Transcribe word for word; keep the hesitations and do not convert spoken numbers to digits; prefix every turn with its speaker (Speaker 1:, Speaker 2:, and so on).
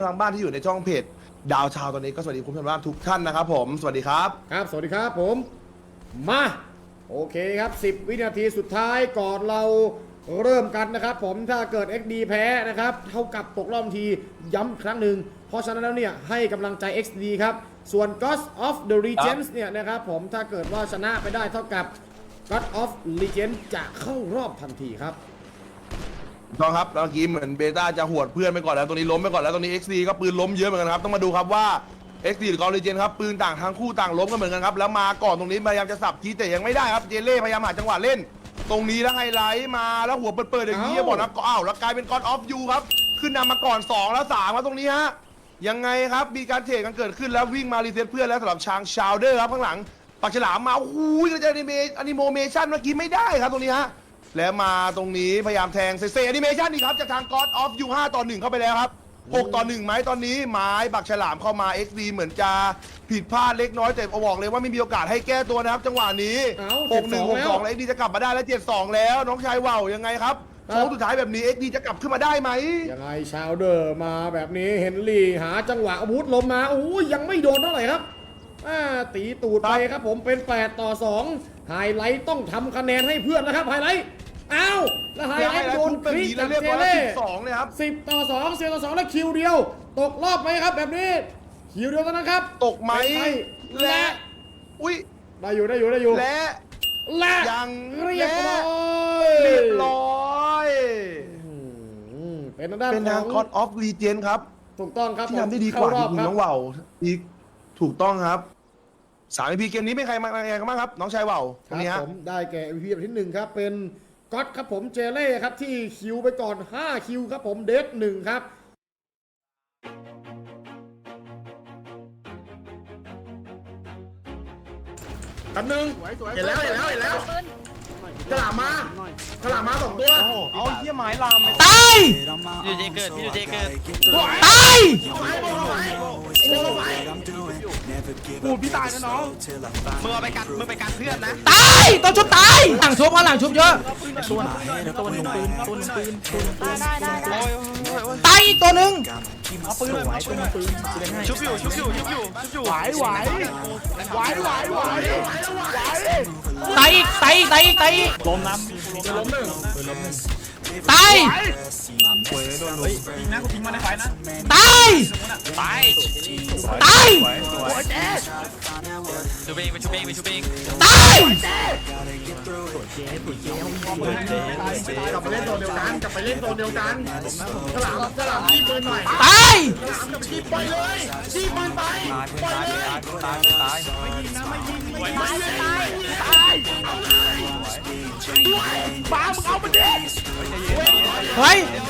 Speaker 1: ทางบ้านที่อยู่ในช่องเพจดาวชาวตอนนี้ก็สวัสดีคุณผู้ชมทุกท่านนะครับผมสวัสดีครับ
Speaker 2: ครับสวัสดีครับผมมาโอเคครับสิบวินาทีสุดท้ายก่อนเราเริ่มกันนะครับผมถ้าเกิด เอ็กซ์ ดี แพ้นะครับเท่ากับตกรอบทีย้ำครั้งหนึ่งเพราะฉะนั้นแล้วเนี่ยให้กำลังใจ เอ็กซ์ ดี ครับส่วน Ghost of the Legends เนี่ยนะครับผมถ้าเกิดว่าชนะไปได้เท่ากับ God of Legends จะเข้ารอบทันทีครับ
Speaker 1: ต้องครับเมื่อกี้เหมือนเบต้าจะหวดเพื่อนไปก่อนแล้วตัวนี้ล้มไปก่อนแล้วตรงนี้ เอ็กซ์ ดี ก็ปืนล้มเยอะเหมือนกันครับต้องมาดูครับว่า เอ็กซ์ ดี หรือกอลเลเจนครับปืนต่างทั้งคู่ต่างล้มกันเหมือนกันครับแล้วมาก่อนตรงนี้พยายามจะสับทีแต่ยังไม่ได้ครับเจเล่พยายามหาจังหวะเล่นตรงนี้แล้วไฮไลท์มาแล้วหัวเปิดๆอย่างนี้บอกนะก็อ้าวแล้วกลายเป็น God of You ครับขึ้นนำมาก่อนสองแล้วสามครับตรงนี้ฮะยังไงครับมีการเทรดกันเกิดขึ้นแล้ววิ่งมารีเซ็ตเพื่อนแล้วสำหรับชางชาวเดอร์ครับข้างหลังปากฉลามมาโอ้โหกระจายอนิเมะอนิโมเมชั่นเมื่อกี้ไม่ได้ครับตรงนี้ฮะแล้วมาตรงนี้พยายามแทงเซเซแอนิเมชันนี่ครับจากทาง God of You ห้าต่อหนึ่งเข้าไปแล้วครับหกต่อหนึ่งไหมตอนนี้ไม้บักฉลามเข้ามา เอ็กซ์ ดี เหมือนจะผิดพลาดเล็กน้อยแต่บอกเลยว่าไม่มีโอกาสให้แก้ตัวนะครับจังหวะนี้หกหนึ่ง หกสองแล้ว เอ็กซ์ ดี จะกลับมาได้แล้วเจ็ดสองแล้วน้องชายว่าวยังไงครับโค้งสุดท้ายแบบนี้ เอ็กซ์ ดี จะกลับขึ้นมาได้ไหม
Speaker 2: ยังไงชาวเดอร์มาแบบนี้เฮนรี่หาจังหวะอาวุธลมมาโอ้ยยังไม่โดนเท่าไหร่ครับตีตูดไปครับผมเป็นแปดต่อสองไฮไลท์ต้องทำคะแนนให้เพื่อนนะครับไฮไลท์อ้าวแล้วไฮไลท์โดนคลิกจากเจเล่
Speaker 1: สองเลยครับ
Speaker 2: สิบต่อสองเซต่อสองแล้วคิวเดียวตกรอบไหมครับแบบนี้คิวเดียวเท่านั้นครับ
Speaker 1: ตกไหมและอุ้ย
Speaker 2: ได้อยู่ได้อยู่ได้อยู่
Speaker 1: และ
Speaker 2: และ
Speaker 1: ยัง
Speaker 2: เรียบร้อย
Speaker 1: เรียบร้อย
Speaker 2: เป็นทางด้าน
Speaker 1: เป็นทาง God of Legend ครับ
Speaker 2: ถูกต้องครับ
Speaker 1: ที่ทำได้ดีกว่าจริงๆน้องว่าวอีกถูกต้องครับสาม อี พี เกมนี้เป็นใครมาอะไรกันบ้างครับน้องชายว่าวตรงนี้ฮะ
Speaker 2: ผมได้แก่ อี พี แบบที่หนึ่งครับเป็นก๊อตครับผมเจเล่ครับที่คิวไปก่อนห้าคิวครับผมเดฟหนึ่งครับ
Speaker 1: กันหนึ่งเห็นแล้วเห็นแล้วเห็นแล้วฉลามมาฉลามมาสองตัว
Speaker 3: เอาเหี้ยไม้ลาม
Speaker 4: ตาย
Speaker 3: พี่ดูเจเกิดพี่ดูเจเกิด
Speaker 4: ตาย
Speaker 3: กูพี่ตายนะน้องมึงเอาไปกันมึงไปกันเพื่อนนะ
Speaker 4: ตายตัวชุบตายหลังชุบเพราะหลังชุบเยอะ
Speaker 3: ตัวตัวหนึ่งปืนตัวหนึ่งปืนได้ได้ได้
Speaker 4: ตายอีกตัวหนึ่ง
Speaker 3: เอาปืนเลยปืนปืนชุบอยู่ชุบอยู่ชุบอยู่ชุบอยู่ไหวไหวไหวไหวไหว
Speaker 4: ตายอีกตายอีกตายอีกตายอีก
Speaker 3: ล้มน้ำล้มหนึ่งล้มหนึ่ง
Speaker 4: ตาย
Speaker 3: ยิงนะกูยิงมาในไฟนะ
Speaker 4: ตาย
Speaker 3: ตาย
Speaker 4: ตาย
Speaker 3: ชูเบงไปชูเบงไปชูเบง
Speaker 4: ตาย
Speaker 1: กลับไปเล่นโซนเดียวกันกลับไปเล่นโซนเดียวกันฉลามฉลามชี้ปืนหน่อย
Speaker 4: ตาย
Speaker 1: ฉลามกับชี้ไปเลยชี้ปืนไปไปเลย
Speaker 3: ตายตายไม่ยิงนะไม่ยิงไม่ยิง
Speaker 1: ไม่ตายตายเอาเลยด้วยบ้ามึงเอามันดิ
Speaker 4: เฮ้ย